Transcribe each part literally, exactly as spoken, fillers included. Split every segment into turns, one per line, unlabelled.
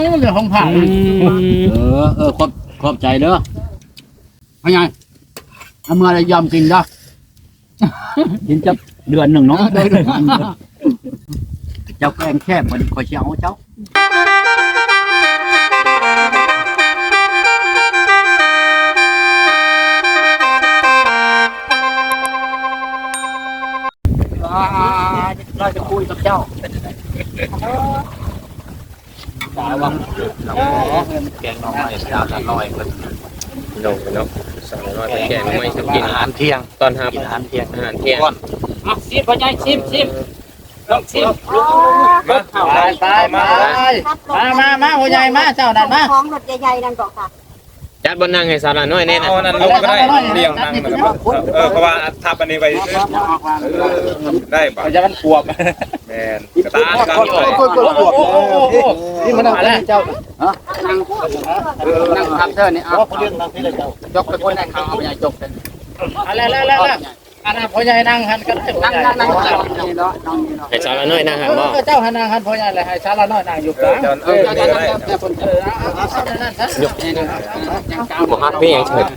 มันเป็นของผ่าเออเออขอบขอบใจเด้อพะไงเอามื่อไรยอมกินเด้อกินจะเดือนหนึ่งเนาะเจ้าแกงแคบมันคอยเชียวเจ้าเราจะคุยกับเจ้าสาววังแกงน้องไม้สาวน้อยคน
นกนกสาวน้อยแกงไม่กิน
อาหารเที่ยง
ตอนครับ
อาหารเที่ยง
อาหารเที่ยง
อ่ะชิมพ่อใหญ่ชิมชิมลองชิมมาไปไปมามามามาพ่อใหญ่มาเจ้านั่นมา
ของรถใหญ่ๆนั่นก่อนค่ะ
จัดบนนั่งให้สาวน้อยแน่นะ
เอานั่นลงก็ได้เรียงนั่งนะครับเออเพราะว่าทับอันนี้ไปได้ป่ะ
จะมันขวบ
แมนกระตากกระตา
นี่มันอะไรเจ้าฮะนั่งนั่งทำเธอเนี่ยเอาเรื่องนั่งที่เลยเจ้ายกไปคนนั่งเขาพ่อใหญ่จกกันอะไรแล้วแล้วอันนั้นพ่อใหญ่นั่งหันก็ได้นั่งนั่งนั่งนี่เนาะนั่งนี่เนาะ
ให้สาวน้อยนั่งหันบ่
เจ้าหันนั่งหันพ่อใหญ่เลยให้สาวน้อยนั่งอยู่กลางเออเจ้านั่งเจ้าคนเออเอาเอานั่นซะยก
บ่ฮักพี่ยังเฉิด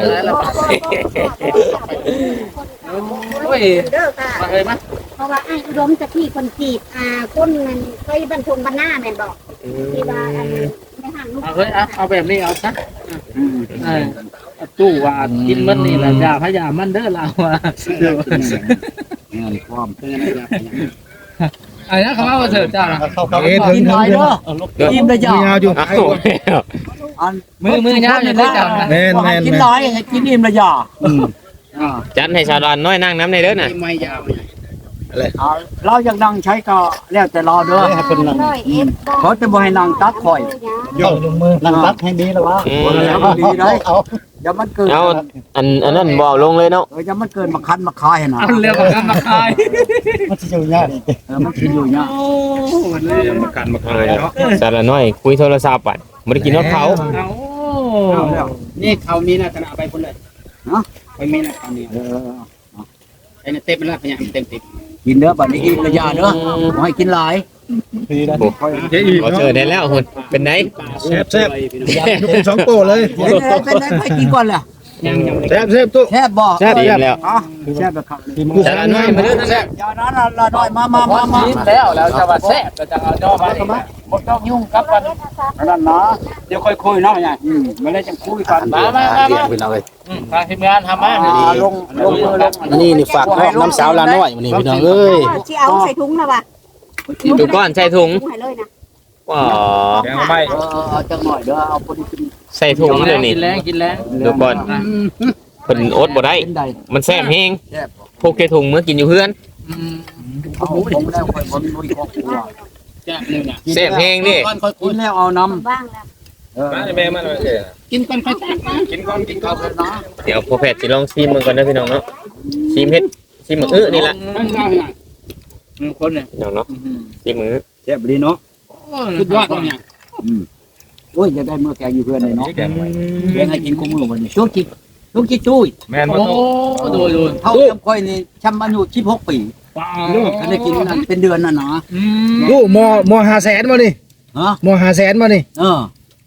โอ้ยมาเลยมั้ย
เพราะว่าไอ้อุดมจะที่คนจีบอ่าคนมันไปบรรทุกบรรณาแม่นบอกที่ว่าอันไม่ห่างลูก
เอาเฮ้ยเอาแบบนี้เอาซะเออตู้ว่ากินมันนี่แหละยาพยามันเด้อเราอ่ะเดี๋ยวเงินความเพื่อนยาพยาไอ้นะเขาว่าเถิดจ้ากินน้อยเด้อกินได้ยาวอยู่มือมือยาวอยู่ได้จ้า
แม่นแม่น
กินน้อยกินอิ่มละยา
จัดให้สาวน้อยนั่งน้ำในเด้อน่ะ
ไม่ยาวอะไรเราอยากนั่งใช้ก็แล้วแต่รอเด้อให้คนนั่งเขาจะบ่ให้นั่งตัดข่อยย่อลงมือนั่งตัดให้ดีแล้ววะดีได้เอาอย่ามันเกิน
เอาอันอันนั้นบ่ลงเลยเนาะ
เอออย่ามันเกินมาคันมาคายนะ
เอาเรียกมาคันมาคาย
มันสิอยู่ยากเออมันสิอยู่ยากโอ้
เลยมาคันมาคายเนาะ
สาวน้อยคุยโทรศัพท์อ่ะบ่ได้กินนอดเขา
เอาแล้วนี่เขามีน่ะขนาดไปพุ่นเลยเนาะไปมีน่ะเขานี่เออไอ้นี่เต็มแล้วเป็นหยังเต็มติดกินเด้อบัดนี้อิ่มระยะเด้อบ่ให้กินหลาย
ดีนะบ่เจอได้แล้วหุ่นเป็นได
แซ่บแซ่บยกสองโตเลย
เป็นไดไปกินก่อนล่ะ
แซ่บแซ่บตุ๊
แซ่บบ่
แซ่บแล้ว
อ๋อแซ่บแบบครับ
สาวน้อยมาเด้อแซ่บ
อย่านั้นละน้อยมามามามาแล้วแล้วจะว่าแซ่บก็จะเอาย่อมาดิบ่ต้องยุ่งกับมันนั่นนะเดี๋ยวค่อยคุยเนาะอืมมาเลยจังคุยกันมามามาเป็นเอาเลยอืมทางทีมงานทำมาลงลงมือลง
นี่นี่ฝากน้ำสาวลาน้อยมื้อนี้พี่น้องเอ้ย
สิเอาใส่ถุงน่ะว่ะ
ถุงก้อนใส่ถุง
ให้เลยนะ
ว้า
แกงไม่
เออเอาจังหน่อยเด้อเอาพอดีกิน
ใส่ถุงเดี๋ยวนี้
กินแรงกินแรง
ดูก่อนเพิ่นอดบ่ได้มันแซ่บแฮงพวกแกถุงมื้อกินอยู่เฮือน
อืมเอาผมแล้วค่อยบ่มีครอบครัวแซ่บนึงน่ะ
แซ่บแฮงดิ
ค่อยกินแล้วเอาน้ำ
บ้างแล้ว
เออมาแม่มาเด้อกินก่อนค่อยกินกินก่อนกินก่อนเนาะ
เดี๋ยวพ่อแพทย์สิลองชิมมันก่อนนะพี่น้องเนาะชิมเฮ็ดชิมมื้ออื้อนี่ล่ะ
อืมคนเนี่ย
น้องเนาะชิมมื้อ
แซ่บดีเนาะสุดยอดเนี่ยอืมโอ้ยจะได้มื้อแกงอยู่เพื่อนเลยเนาะแกงให้กินคู่มื้อวันนี้ช่วงจิลูกจิตุ้ย
แม่นบ่โต
โดยโดยเท่าจำค่อยนี่ชำอายุสิบหกปีลูกก็ได้กินนั่นเป็นเดือนน่ะนะ
ลูกมอมอห้าแสนบ่นี่
ฮะ
มอห้าแสนบ่นี่
เออ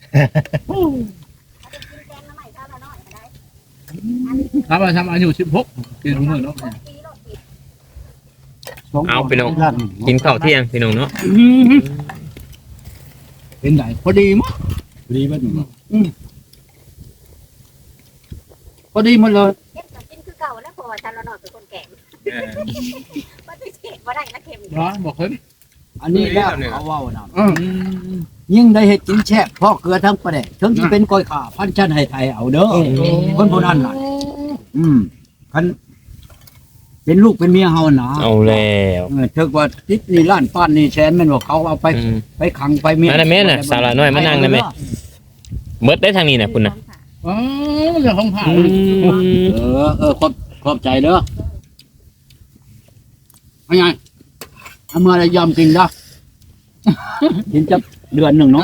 ครับชำอายุสิบหกกินมื้อเนาะ
เอาพี่น้องกินข้าวเที่ยงพี่น้องเนาะ
เป็นไงพอดีมั้ยพอดีมั้ยอืมพอดีหมดเลย
กินคือเก่าแล้วพอฉันละหน่อยเป็นคนแก่บ่ได้เจ็บบ่ได้ละเข็ม
เนาะบอกเพิ่นอันนี้แล้วเขาเว้าน่ะยิ่งได้เฮ็ดกินแซ่บพอเกลือทั้งประเดะถึงสิเป็นก้อยข่าพันชั้นให้ไทยเอาเด้อคนผู้นั้นน่ะอืมคันเป็นลูกเป็นเมียเฮาน่ะ
เอาแล้ว
เออถึกว่าติดนี่ล้านป้านนี่แสนแม่นว่าเขาเอาไปไปขังไปเมีย
นั่นแม่น่ะสาวน้อยมานั่งได้มั้ยหมดได้ทางนี้น่ะคุณน่ะ
อ๋อเรื่องของผ่าเออเออขอบขอบใจเด้อเอาไงเอามื่อไรยอมกินเด้อกินจะเดือนหนึ่งเนาะ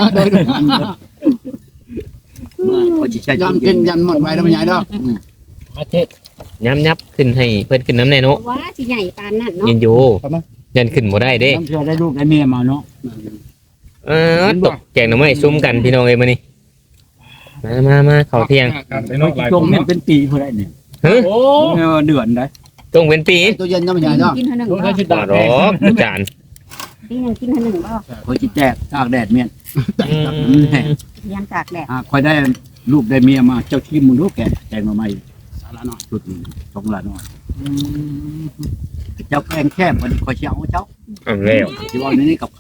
ยอมกินยันหมดไปแล้วมันใหญ่เด้อมาเทศ
ย้ำยับขึ้นให้เพิ่นขึ้นน้ำแน่เนาะ
ว่าสิใหญ่ปานนั้นเนาะ
ยันอยู่ยันขึ้นบ่ได้เด้
ต้องเชื่อได้ลูกได้เมียมาเนาะ
เออตกแกงหน่อไม้ซุ่มกันพี่น้องเอ้ยมื้อนี้มามามาข้าวเที่ยง
จงเป็นปีเพื่อได้เนี่ย
เฮ้ย
โอ้
เดือนได้
จงเป็นปี
ตัวเย็นยังไม่ใหญ่เนาะ
กินเท่าหนึ่ง
ลง
บ่
ให้ชุด
บ่
ดา
ดอกอาจารย์
ปีหนึ่งกินเท่าหนึ่งบ่
คอยจิแจกตากแดดเมียน
อืม
เลี้ยงตากแดด
อ่าคอยได้ลูกได้เมียมาเจ้าชิมมึงรู้แกแกงมาใหม่สาระน้อยชุดนึงสองละน้อยเจ้าแกงแคบวันนี้คอยเชียวเจ้า
เอาแล้ว
ที่ว่านี่กับเขา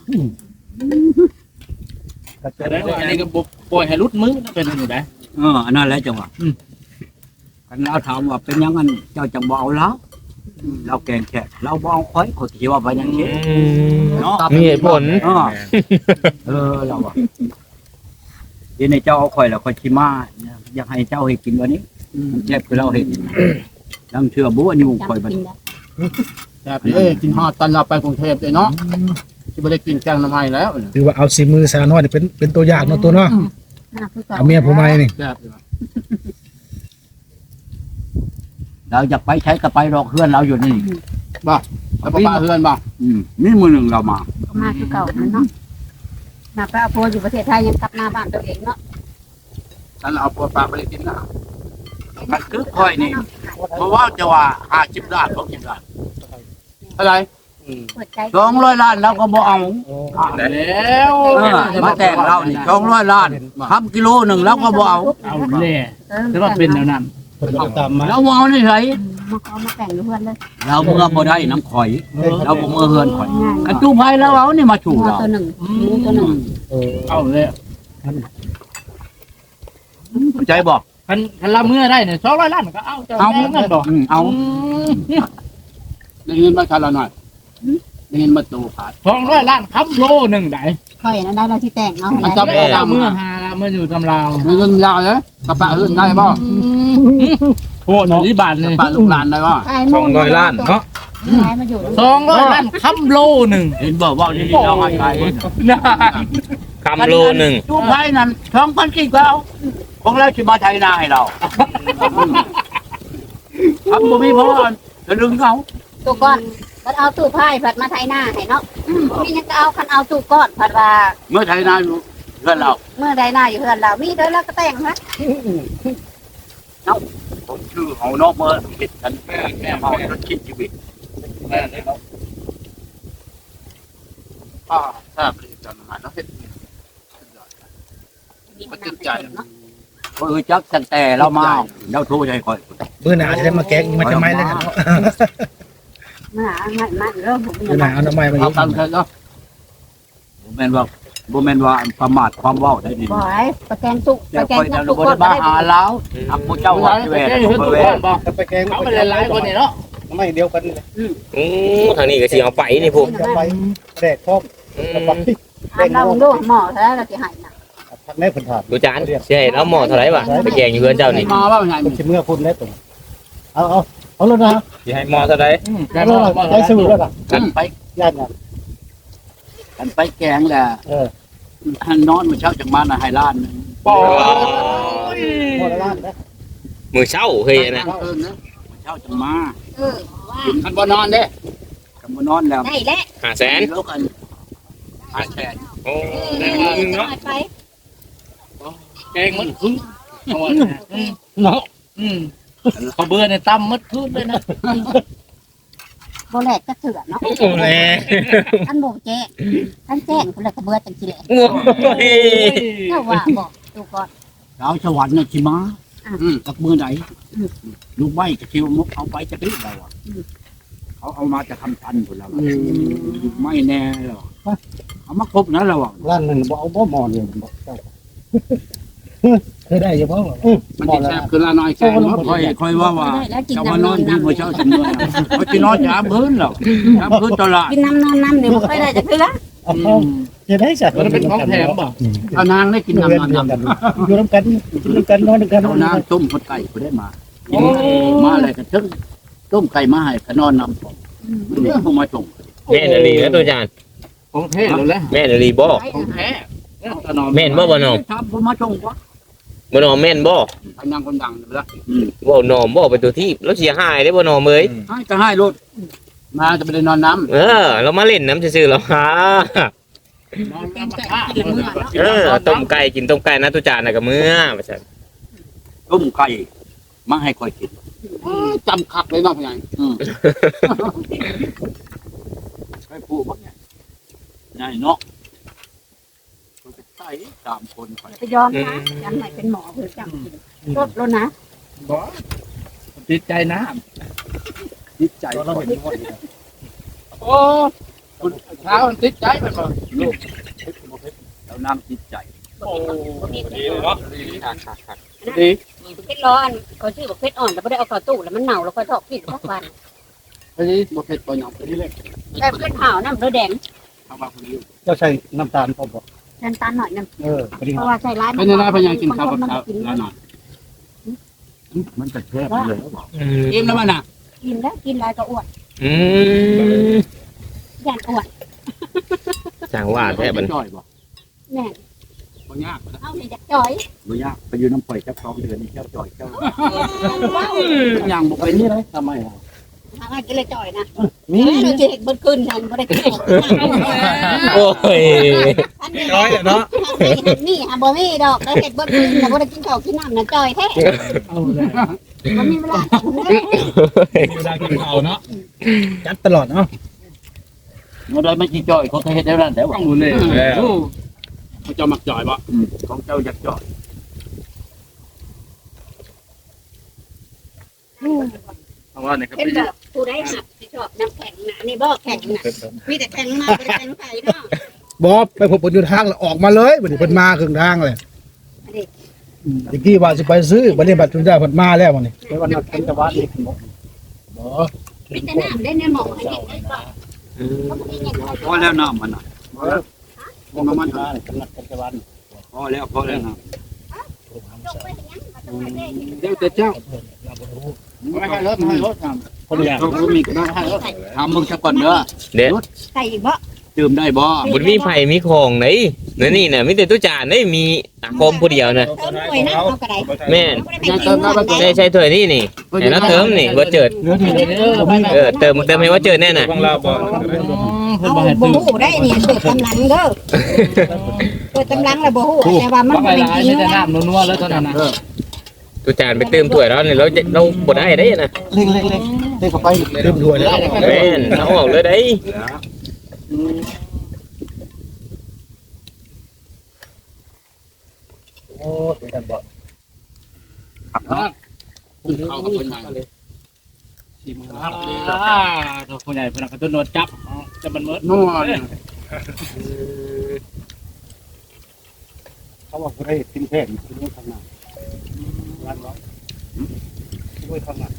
แต่ได้ว่าอันนี้ก็บ่ปล่อยให้รุดมือเป็นอยู่ได้
เอออันนั้นแหละจังหวะกันเราถามว่าเป็นยังไงเจ้าจังบ่เอาแล้วเราแกงแคบเราบ่เอาคอยเขาที่ว่าไปยัง
อื
เช่น
ม
เนาะ
มีเหตุผล
เออเออเราอะเดี๋ยวในเจ้าเอาคอยแล้วคอยชิมาอยากให้เจ้าให้กินวันนี้แซ่บคือเราเห็นลังเชื่อบัวนี่คอย
จำ
บัด
กินได้
แบบเอ้ยกินฮอดตอนเราไปกรุงเทพเลยเนาะที่บ่ได้กินแกงน้ำไม้แล้วถือว่าเอาสีมือสาวน้อยนี่เป็นเป็นตัวอย่างเนาะตัวเนาะ
น่าคือก่อน
เอาเมียผู้ใหม่นี่
เราอยากไปใช้ก็ไปรอกเพื่อนเราอยู่นี่
แล้วป้าเฮือนบ่
อืมนี่มือหนึ่งเรามา
ก็มาคือเก่านั่นเนาะมาพระอภัยอยู่ประเทศไทยยังกลับมาบ้านตัวเองเนาะ
ฉันเอาปลาปลาไปได้กินแล้ว
มันคือคอยนี่เพราะว่าจะว่าห้าสิบล้านหกสิบล้าน
อะไร
เปิดใจ
สองร้อยล้านเราก็บ่เอา
แล้ว
เออมาแต่งเรานี่สองร้อยล้านทำกิโลหนึ่งเราก็บ่เอา
เอาแน่แต่ว่าเป็นแนวนั้น
เอาตามมา
เราบ่เอานี่ไส
มาเอามาแต่งอยู่เพื่อนเลย
เราเมื่อบ่ได้น้ำข่อย เราบ่เมื่อเฮือนข่อยกระตู้ไผแล้วเอานี่มาถู
หัว
เรา
ตัวหนึ่งหมูตัวหนึ่ง
เอาเลย
เข้าใจบ่
คันคันละเมื่อได้เนี่ยสองร้อยล้านก็เอาเจ้า
เอา
แม่เงินดอก
อืมเอา
ได้เงินมาคันละหน่อยได้เงินมาตูขาด
สองร้อยล้านคำโลหนึ่งได้
ค่อยนั่นได้เราที่แต่งเอา
มัน
ให้
จะ
ได้
เมื่อหาเมื่ออยู่ตำราว
ได้เงินยาวเลยกระปะเฮือนได้บ่
โอ้หนอที่บาท
ก
เล
ระ
ย
ปะลูกหลานได้บ่
สองร้อยล้านเนาะ
ย้ายมาอยู่
สองร้อยล้านคำโลหนึ่ง
เห็นบ่ว่านี่เราให้ไป
นะ
คำโลหนึ่ง
ตู้ไผนั่นสองพันกี่ก็เอาของเราสิมาไทยนาให้เราทำบ่มีเพราะว่าจะดึงเขา
ตู้ก้อนก็เอาตู้ไพ่ผัดมาไทยหน้าให้เนาะมียังก็เอาคันเอาตู้ก้อนผัดว่า
เมื่อไทยนาอยู่เพื่อนเรา
เมื่อใดหน้าอยู่เพื่อนเรามีเด้อแล้วก็แต่งฮะ
ผมชื่อเฮานอกเมื่อเห็นกันแม่แม่เฮาจะคิดชีวิต
อ่าถ้าผลิตจานอาหารเนาะเฮ็ด
มีน้ำเป็นเนาะ
เออจักตั้งแต่เรามาเราโทรให้คอย
มื้อหน้าจะได้มาแกงมันจะไม้แล้วกันเนาะ
มาหามามาเริ่มผมเป็น
มื้อหน้าเอาน้ำไม้มา
เอา
อีก
ตามเถอะเนาะบ่แม่นว่าบ่แม่นว่าประมาทความเว้าได้นี่
บ่อยประแกงตู้
แต่
ประแก
ค
ง
อย
ตู้
จะ
ตู้
บ่
ก้อ
ได้
น
มาหาเราอักผู้เจ้าว่าแหวน
เห็น
บ่
ตัว
แหว
ก้อน นบอก
ไปแกง
เขาไปหลายคนนี่เนาะ
ไม่เดียวกันนี่แหละ
โอ้ทางนี้ก็สิเอาไปนี่พวก
จะไปแดกพร้อม
อืม
ไป
ถามเราดูหมอแล้วเราจะหายนะ
พักแม่เพิ่นถาม
ดูจานใช่แล้วหมอเท่าไหร่วะไปแกงอยู่เพื่อนเจ้านี่
มาว่าไง
เพิ่นสิเมื่อพุ่นแล้วตรงเอาเอาเอาเลยนะ
สิให้หมอเท่าไหร่
แต่
เอา
ว่า
เลยใจสู้แล้วล่ะ
กันไป
ย่านน่ะ
กันไปแกงแหละ
เออ
หันนอนมื้อเช้าจังมาน่ะให้ล้านนึง
ปอ
พอละล้านนะ
มือเช้าเฮ้ยนะ
เออนะ
มื้อเช้าจังมา
เออว่า
คันบ่นอนเด้
กันบ่นอนแล้ว
ได้แล้ว
ห้าแสน
แล้วกันหาแสน
โอ้
จะหายไป
แกงมันคือเนาะอืมเขาเบื่อในตั้มมัดขึ้นเลยนะ
โบแลกก็เถื่อนเนาะ
โหแล
ท่านโบแจ้งท่านแจ้งคนละกระเบือจังสิแหละ
โอ้ย
เจ้าว่าบอกตู้ก้อน
ดาวสวรรค์น่ะสิมา
อ่ะ
อืมกับมือไหนลูกไม้กระเทียมมุกเอาไปจะรีบเราอ่ะเขาเอามาจะทำพันคนเราอะไม่แน่หรอกเอามาครบนะเราอ่ะ
ล้านหนึงบ่เอาบ่หมอนเลยบ่เจ้าเคยได้อยู่บ่มันสิแซ่บคือละน้อยแซ่บ
คอยคอยว่าว่า
ได้แล้วกิน
จะ
น้ำ
มาน
น
อ
อน น
ที่
น้ำ
หัวเช้าถึงเมื่อเขาจะนอนยามพื้นหรอกยามพื้นตลาด
กินน้ำนอนน้ำเนี่ยบ่ค่อยได้จะคือละ
เอาจะได้สัตว์
มันเป็นของแถมบ่
เอานางได้กินน้ำนอนน้ำ
อยู่นํกันกินนํกันนอนนํกัน
เอานางต้มคนไก่ก็ได้มากินมาอะไรกันทึ่งต้มไก่มาให้ก็นอนน้ำผมนี่เขามาส่ง
แม่นอลีนะตัวจาน
ของแท้เลยแหละ
แม่นอลีบ่
ของแท้เนี่ยตอนนอน
แม่นบ่บ่นอม
ทำผมมาส่งวะ
บ่นอมแม่นบ่
อันนางคนดังเลยละ
บ่นอมบ่เป็นตัวที่แล้วเสียหายได้บ่นอมเอ้ย
ให้ก็ให้รถมาจะไปนอนน้ำ
เออ เรามาเล่นน้ำซื่อๆแล้วฮะ
นอน
แกงไก่
ผ้า
กินละมื้อเนาะ
เออต้มไก่กินต้มไก่นะตุจานน่ะก็มื้อว่าซั่น
ต้มไก่มาให้คอยกิน
จำคักเลยเนาะพี่ใหญ่
อืมใครพูดบ้างเนี่ยนายเนาะตัวจะใส่สามคนไป
ไปยอมนะยันไหนเป็นหมอเพื่อจังกินลดแล้วนะ
บ่ติดใจน้
จิตใจเราเห็นหมดโอ้คุณเช้ามันติดใจมันบ่ลูก
แล้วน้ำจิตใจ
โอ้ดีเลยเนาะ
ดี
เพชรร้อนเขาชื่อบอกเพชรอ่อนแต่ไม่ได้เอาเข้าตู้แล้วมันเน่าแล้วค่อยทอดกินทุกวัน
อันนี้บ่เผ็ดบ่หยังอันนี้เล็ก
แต่เพชรขาวน้ำเลือแดง
ทางบ้านคนนี้เจ้าใส่น้ำตาลพอบ่
น้ำตาลหน่อยนึง
เออพอดี
เพราะว่าใส่ร้าย
เป็นยังไงพยายกินข้าวกับข้าวแล้วหน่อย
มันจะแคบเลย
อืม
อิ่มแล้วมันน่ะ
กินแล้วกินลายก็อ้วน
อืม
ยันอ้วน
จังว่าแท้บัด
จ่อยบ่
แม่
บ่ยาก
เอาในจักจ่อย
บ่ยากไปอยู่น้ำปล่อยจักสองเดือนนี่เจ้าจ่อยเจ้า
อย่างบ่เป็นนี่เลยทำไมอ่ะ
ทางกินเลยจ่อยนะ
มี
เราจะเห็นบนคืนทันไม่ได้กิน
โอ้ย
ร้อยเนาะ
นี่ฮะบ่มีดอกแล้วเห็ดบนคืนแต่บ่ได้กินข้าวกินน้ำนะจ่อยแท้
เอาเลย
มันมีเวลา
เวลากินข้าวเนาะจัดตลอดเนาะ
เมื่อใดไม่จีจ่อยเขาเคยเห็นแล้วนั่นแต่ว่า
ต้องรู้เลยแล้ว
เขาจะมักจ่อยบ่
ของเจ้าอยากจ่อย
เพราะว่าเนี่ยครับ
เป็นแบบผู้ได้หักที่ชอบน้ำแข็งนะนี่บ่แข็งนะมีแต่แข็งมาเป็นแข็งใส่เนาะ
บ่ไปพบเพิ่นอยู่ทางแล้วออกมาเลยบัดนี้เพิ่นมาครึ่งทางเลยตะกี้ว่าสิไปซื้อบัดนี้บัดจุนได้เพิ่นมาแล้วบัดนี้ไปวันนั้นเป็นตะวันนี่บ่
มีแต่น้ำได้ในหมอให้เห็นได้ก่อนเขาไม่ได้ยังไง
พอแล้วน้ำมันน่ะ
บ่มามันมาเป็นนักเป็นตะวัน
พอแล้วพอแล้วน้
จงไปอย่างนั้นมาทำไมได้
เจ้าแต่เจ้าไม่ให้รถไม่ให้รถครับคนอยากรู้มีก็ได้ให้รถ
ำทำมึงสักก่อนเด้อ
เด็ด
ใส่อีกบ่
ดื่มได้บ่
บุญมีไผ่มีของไหนนี่นี่น่ะมีแต่ตุจานได้มีอาคมผู้เดียวน่ะ
เติมหน่วยนะเอากระได
แม่น
ไม่ได้ไปกินเงิน
ใช่ใช่ถ้วยนี่นี่ไอ้น้าเติมนี่ว่าเจิด
เนื้อที่เด้อ
เออเติมเติมให้ว่าเจิดแน่น่ะ
ของเราบ่
เอาบ่ฮู้ได้นี่เปิดตำลังเด้อเปิดตำลังแล้วบ่ฮู้แต่ว่ามัน
ว่าไป
เป็น
ร้าย
จริง
ไม่ได้
นะ
น้ำนัวๆแล้วเท่านั้นนะ
ตุจานไปเติมถ้วยแล้วนี่เราจะเราบ่ได้ได้น่ะ
เล็กเล็กเล็กเล็กเข้าไปเต็มถ้วยแล้ว
แม่นเอาออกเลยได้
โอ้เป็นกันบ่ครับคุณเข้ากับคนใหญ่เลยชิมครับ
อ่าตัวคนใหญ่พนักงานตัวโนดจับจะมันเมิด
นัวเนี่ยเขาบอกว่าให้กินแพงกินด้วยข้างหน้าร้านร้อยด้วยข้างหน้า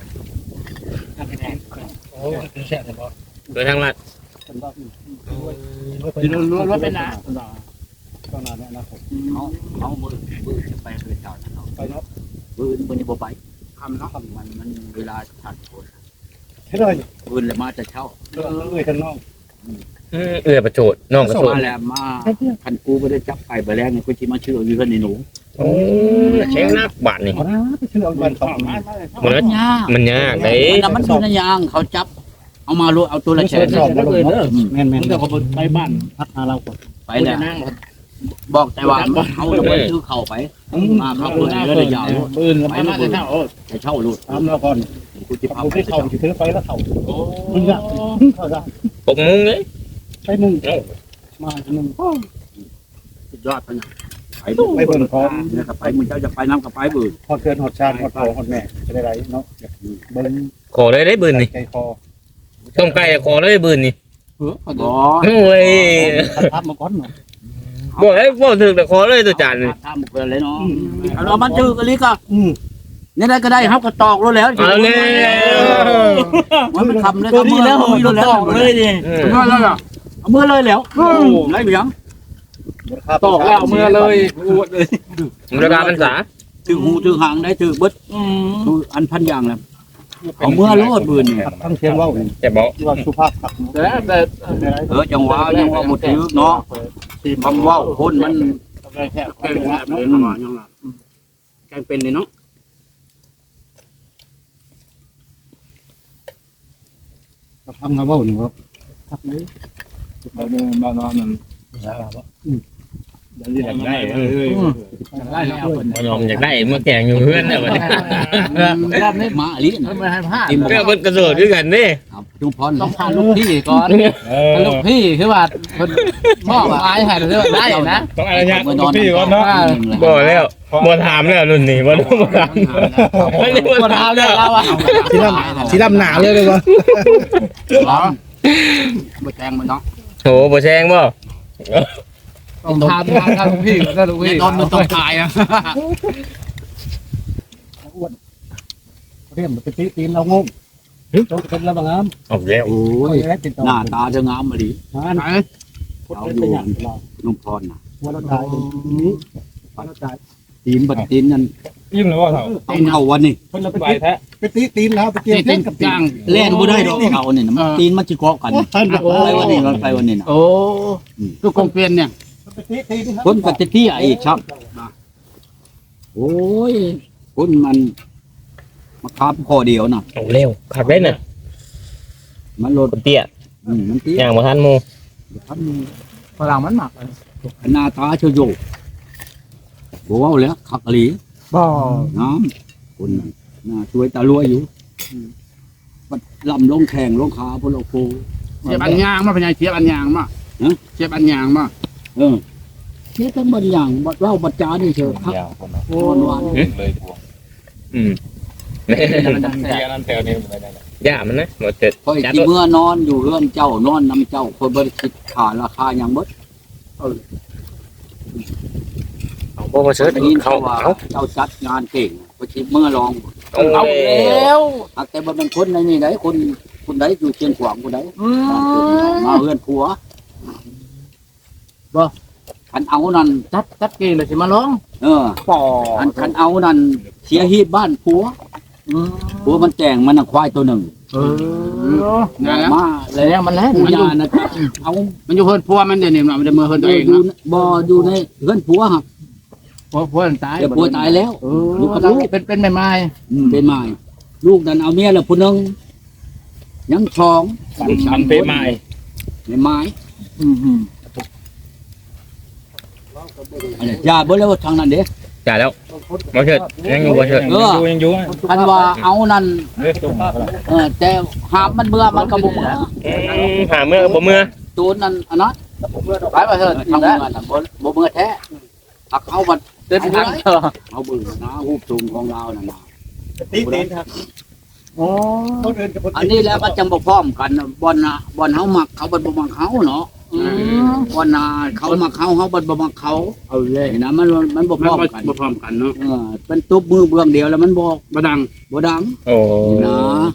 โอ้เป็นแซ่บเลยบ่
โดยทางลัด
เป็นรอบนี้
กินรัวๆเป็นนะ
ข้างหน้าเนี่ยนะผม
เขาเขามือมือจะไปคือเจ้านะเนาะ
ไปเนาะ
มือมือนี่บ่ไป
ทำเนาะ
มันมันเวลาทันคน
ใช่เลย
มือเลยมาจะเช่า
เรื่องเอ้ยข้างนอก
อืมเอื้อประโจดน้องประโจด
มาแล้วมาคันกูไม่ได้จับไก่ไปแล้วนี่กูจิมาเชื่ออยู่เพื่อนในหนู
โอ้เช็งนักบาทนี่
ไปชื่อเอาบันสองมา
มันก็
ยาก
มันยากเด้
มันมันเป็นยางเขาจับ เอามาลูเอาตัวละแสน
สองมาเลยเด้อแม่นแม่น
มึงจะขบวนไปบ้าน
พักหาเราก่อน
ไปแล้วบอกแต่ว่าเขาจะไปซื้อเข่าไปมาเขาเปิดเรื่องยาว
ปืนแล้วมาจะเท่าโอ้
จะเช่าลูก
ทำเราก่อน
กูจะพา
ผม
ไป
ไป
เช่า
เข่าถือไฟแล้วเข่ามึงอะเข้าได้
ปกมุ้งเลย
ไปมึงมามึง
สุดยอดไปนะไป
ไปเบิ่งพร้อม
เนี่ยไปมึงเจ้าจะไปน้ำกับไปบืน
ฮอดเกินฮอดชาติฮอดพ่อฮอดแม่จะได้ไรเนาะเบิ่ง
ขอเลยได้บืนนี่
ใจคอ
ต้มไก่ขอเลยบืนนี่
เออ
บ่
โอ้ย
ทับมาก่อนเนาะ
บอกให้บอกถึงแต่ขอเลยตัวจานนี่
ทำเกินเลยเนาะเอามันจืดกันลิก็
อืม
นี่ได้ก็ได้ครับก็ตอกรู้แล้ว
เอาเลย
มันมันทำเลยก็มือแล้วมือแล้วเลยดิ
อืม
เอาเลยเอามือเลยแล้วไรเบียง
ตอกแล้วเมื่อเลยอวดเลย
ราคาเป็นสา
ถือหูถือหางได้ถือเบิดอันพันอย่างแล้วเอามือโลดบืนเนี่ย
ทั้งเทียนว่าวนี่
แต่บอก
ที่ว่าสุภาพขับ
แต่แต่
เออจังหวะยังว่าหมดถือเนาะคำว่าคนมัน
แค่แค่เนาะยังล่ะแกงเป็นเลยเนาะทำงานว่าวนี่ครับทักเลย
เราเดินมานอนนั่นอยากได้เออ
ได้แล้วคน
บ่ยอมอยากได้มาแกงอยู่เพื่อนน่ะบัดนี้
รอบนี้
มาอลิ
มันไม่ให้พลาด
เพื่อเพิ่นกระโดดด้วยกันเด้
ครับจุงพร
ต้องพาลูกพี่ก่อน
เออ
ลูกพี่คือว่าคนมอบอายให้หรือว่าได้นะ
ต้องอนุญาตลูกพี่ก่อนเนาะ
บ่แล้วบ่ถามแล้วรุ่นนี้บ่ต้องบ่ถามไม่ได้บ่
คน
ถาม
ทำ
แล้
เนี่ยว เราอะ
สีดำสีดำหนาเลยเลยวะ
บ่แจงมันเนาะ
โหบ่แซงบ่
ต้องทำทำทำลูกพี่ก็ลูกพี่
ตอนมันต้องตายนะ
เรียมเป็นตีตีนเรางงต้องเป็นระบังน้
เอาแล้ว
โอ้
ำ
ย
แล้วติดต่อ
หน้าตาจะงามมาดิ
งานเราเป็นอย่างเรา
ลุงพรน่ะ
วันละตายนี้วันละตาย
ตีนบัดตีนนั่น
ยิ้มแล้วว่าเถา
ตีนเอาวันนี้
คนละใบแท้
ไปตีตีนแล้วไปเกี่ยวเต้นกับตีน
เล่นบ่ได้ดอกเอาเนี่ยมันตีนมันสิเกาะกันไปวันนี้ไปวันนี้น่ะ
โอ้ลูกกงเปลี่ยนเนี่ย
ไปตีตีน
คนกับที่อีกครับโอ้ยคนมันมาคาบคอเดียวน่ะ
เอาแล้วขับได้น่ะ
มันโลด
คนเตี้ย
อืมมันตี
ย่างบ่ทันหมู่
ทันมี
พลังมันหมัก
หน้าตาเฉยโยบ่เว้าแล้วคักอีหลี
บ่
น้ำคนนั้นน่าช่วยตาลัวอยู่บัดลำลงแข่งลงขาพลโค
เสียบอันยางมาเป็นไงเสียบอันยางมาเสียบอันยางมา
เออนี่ทั้งบางอย่างบัดเล่าบัดจานี่เชียวครับ
ยาวคน
โอนหวาน
เลยพวง
อืม
เทียนั่นแถวนี้ไม่ได้
ย่ามันนะบ่เจ็ด
คอยที่เมื่อนอนอยู่เรือนเจ้านอนนำเจ้าคนบริคิดขาราคาอย่างเบิด
เอาบ่มาเสิร์ช
ได้ยิน
เขา
เขาว่า
เอา
เจ้าจัดงานเก่งพอคิดเมื่อลอง
เอา
เอา
แล้
แล้ว ว
หากแต่บ่เป็นคนในนี่ไหนคนคนใดอยู่เชียงขวางคนใด
อืม
มาเฮือนผัวบ่คันเอานั่น
จัดจัดเกณฑ์เลยสิมาร้อง
เออ
ปอ
คันคันเอานั่นเสียฮีดบ้านผัว
อืม
ผัวมันแต่งมันน่ะควายตัวหนึ่ง
เออนั่นแหละ
มา
แล้วมันแล้ว
ผู้
มันอยู่
ยานะเอา
มันอยู่เพิ่นพัวมันเดี๋ยวนี้มันจะมือเพิ่นตัวเอง
อยู่
เนาะ
บ่อยู่ในเฮือนผัวครับ
พัวพัวมันตาย
เดี๋ยวผัวตายแล้ว
เออลูกกับลูกเป็นเป็นแม่ไม้
เป็นไม้ลูกนั้นเอาเมียแล้วผู้หนึงยังชอง
มันเปไม้
ในไม้
อืมอืม
อันนี้อย่าเบิ่แล้วทางนั้นเด้
จ่ายแล้วบ่เชิดยังอยู่บ่เชิด
เออ
ยังอยู่
คันว่าเอานั่น
เด้ตุ้ม
เออแต่หามมันเบื่อมันก็บ่เบื่อ
อืมหาเมื่อบ่เมื่อ
ตัวนั้นอันนั้น
ไปมาเถอะ
ทำเมื่อน่ะบ่บ่เบื่อแท้หักเอาบัด
เดินทางเถอะ
เอาเบิ่งนะรูปสูงของเรานั่นน่ะ
ตีตีนครับ
โอ้
เขาเดินกับ
อันนี้แล้วก็จังบ่พร้อมกันบ่อนน่ะบ่อนเฮามักเขาบ่บ่มักเฮาเนาะ
อืม
บ่อนน่ะเขามักเฮาเฮาบ่บ่มักเขา
เอาเลย
นี่นะมันมันบ่พร้อมกัน
บ่พร้อมกันเนาะ
เออเป็นตุ๊บมือเบื้องเดียวแล้วมันบอก
บ่ดัง
บ่ดัง
โอ้
นะ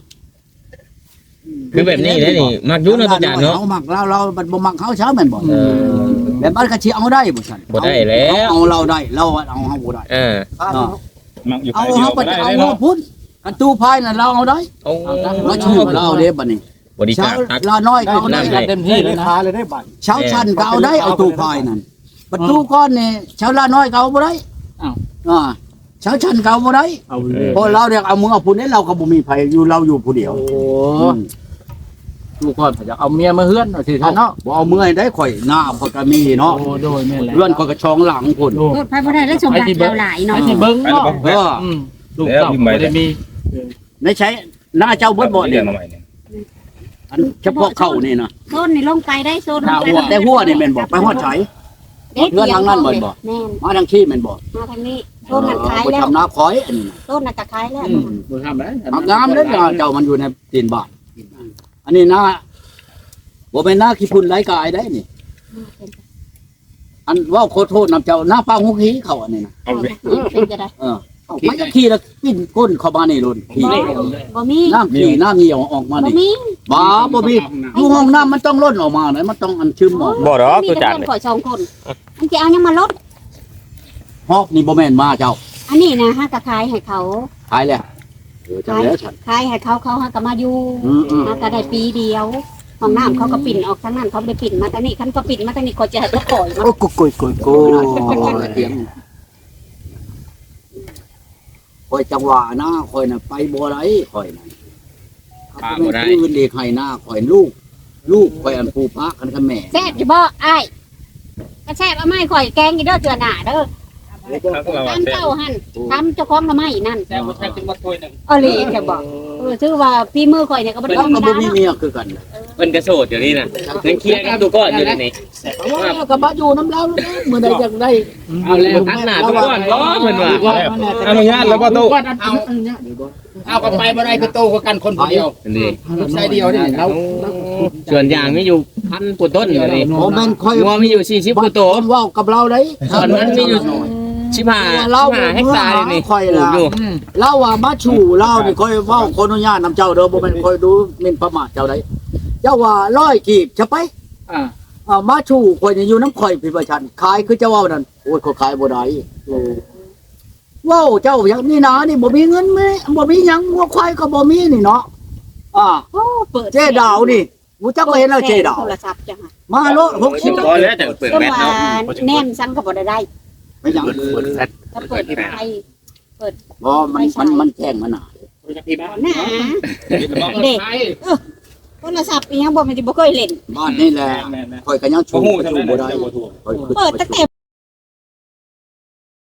คือแบบนี้แหละนี่มักอยู่เนาะอาจารย์เนาะ
เฮามักเราเราบัดบ่มักเฮาเช้าแม่นบ่
เออ
แบบมันก็สิเอาได้บ่ซั่น
บ่ได้แล้ว
เอาเราได้เราเอาเฮาบ่ได้
เออ
มักอยู่
เอา
ไปเดีย
เฮาว ไป
ได้
เอา
เลย
เฮา
เนาะ
พุ่นกันตู้พายน่ะเราเอาได้
โอ้
เราชื่อเราเด้บัดนี้
บริจา
เช้า
คตัก
ลาน้อยก็เอาได้
ได้
เต็มที่เลยนะ
คาเลยได้บัตร
เช้าชันก็เอาได้เอาตู้พายนั่นบัดตู้ก้อนนี่เช้าลาน้อยก็เอาบ่ได้
อ้าว
อ่าเช้าชันก็เอาบ่ได้
เอาเลย
เพราะเราเรียกเอามือเอาพุ่นนี่เราก็บ่มีไผอยู่เราอยู่ผู้เดียว
โอ้ลูกก่อนจะเอาเมียมาเฮือนเอาสิท่านเนาะ
บ่เอามือให้ได้ข่อยหน้าข่อยก็มีเนาะ
โอ้โดยแม่นแหละ
เลื่อนข่อยก็ช่องหลังพุ่น
โอ้
รถไฟบ่ได้แล้วสมบัติเราหลาย
ไอ้
เนาะ
ที่เบิ่งเนาะ
เออ
อืมลูกเต้าบ่ได้มี
ในใช้หน้าเจ้าเบิดบ่
เรี
เดี
ย
ย
น
ว
มาใหม่เนี่ย
อันเฉพาะเข้านี่นะ
โซนนี่ลงไปได้โซนลงไป
แต่หัวนี่แม่นบ่ไปฮอดไส เพื่อนทางนั้นบ่บ่
แม่น
มาทางขี้แม่นบ่
มาทางนี้โซนนั้นขาย
บ่
แล้ว
ทำนาคอยอันนี้นะ
โซนนั้นก็ขายแล้ว
อืมบ่ทำได้
หักงามเด้อเจ้ามันอยู่ในตีนบ้านอันนี้หน้าบ่แม่นหน้าขี้พุ่นไหลกายได้นี่ อันเว้าขอโทษนำเจ้าหน้าป้าหุกหีเขาอันนี้นะ
เอาเลย
เป็นจะได้
เออมันก็ขี้แล้วปิ้นก้นเข้ามานี่ลุ่นขี้
บ่มี
น้ำขี้น้ำเหนียวออกมา
บ่
นี่
มี
บ้าบ่มีอยู่ห้องน้ำมันต้องล้นออกมาเลยมันต้องอันซึมออก
บ่ดอก
มี
ตัว
แต่
จาน
คนข่อยสองคนอันที่เอายังมาลด
ฮอกนี่บ่แม่นมาเจ้า
อันนี้นะฮะก็ขายให้เขา
ขายแล้วเออจังแล้วฉัน
ขายให้เขาเขาฮะก็มาอยู่
อืมอืม
ฮะก็ได้ปีเดียวห้องน้ำเขาก็ปิ่นออกทางนั้นเขาไปปิ่นมาทางนี้คันก็ปิ่นมาทางนี้ก็จะให้เขาปล่อยมา
โอ้กุยกุยกุยกุยเสียงคอยจังหวะหน้าคอยน่ะไปบ่ได้คอยน่ะถ้าบ่ได้คืนเด็กให้หน้าคอยลูก ลูกคอยอันปูปะกันกับแม่
แซ่บอยู่บ่อ้ายระแซ่บเอาไม้ข่อยแกงอีเด้อเจือหน้าเด้อ
ครับเรา
ทำเจ้าหั่นทำเจ้าของทำไมนั่น
แซ่บบ่แซ่บถึงมาถ้วยหนึง
เออเลยจะบอกเออถือว่าพี่มือข่อยเนี่ยก็บ่ได้
เรา
ธรรม
ก็
ดา
บ่มี
เนาะ
เมียคือกัน
เพิ่นกระโสดเดี๋ยวนี้น่ะยังเคลียร์กันดูก่อนอยู่นี่
ว่าก็มาอยู่น้ำเล้าเมื่อใดจังได้
เอาแล้วทักหน้าทุกคนบ่เพิ่นว่า
อนุญาตแล้วบ่ตู้
เอาเอากันไปบ่ได้คือโตกว่ากันคนผู้เดียว
นี่
ลูกชายเดียวนี่เรา
ส่วนยางมีอยู่พันกว่าต้นอยู่นี่
โอ้แม่นค่อย
งัวมีอยู่สี่สิบกว่าตัว
คนเว้ากับเราได้
ส่วนมันมีอยู่สิบห้า
เรา
สิบห้าเฮกตาร์อยู่นี่
ค่อย
ปลู
ล่ะ
กอยู่
เล่าว่ามาชูเล่านี่ค่อยเว้าคนอนุญาตนำเจ้าเด้อบ่แม่นค่อยดูหมิ่นประมาทเจ้าได้เจ้าว่าร้อยกีบจะไป
อ่า
อ่ามาชูข่อยนี่อยู่น้ำข่อยพี่ประชันขายคือเจ้าเว้านั่นโอ้ยเขาขายบ่ได้เว้าเจ้าอย่างนี้นะนี่บ่มีเงินแม่บ่มีหยังงัวควายก็บ่มีนี่เนาะอ่า
โอ้เปิด
เจ๊ดาวนี่กูจักบ่เห็นแล้วเจ๊ดาว
โทรศัพท์จังอะ
มาโลดหกสิบ
พอแล้วแต่เปิด
ก็
แบต
ว่า
เนาะ
แน่นซังก็บ่ได้ได้
ไม่หยัง
ถ้าเปิดไฟ
บ่มันมันมันแจ้งมาหน่ะ
หน้าเด็กโทรศัพท์อีหยังบ่แม่นสิบ่เคยเล่น
บ้านนี่แหละ
แม่น
ข่อยก็ยังชู
บ่ฮู้
ก็
ทำ
ชู
ไม
บ่ได้
บ่ถูก
ข่อยคือ
เปิดตั้งแต่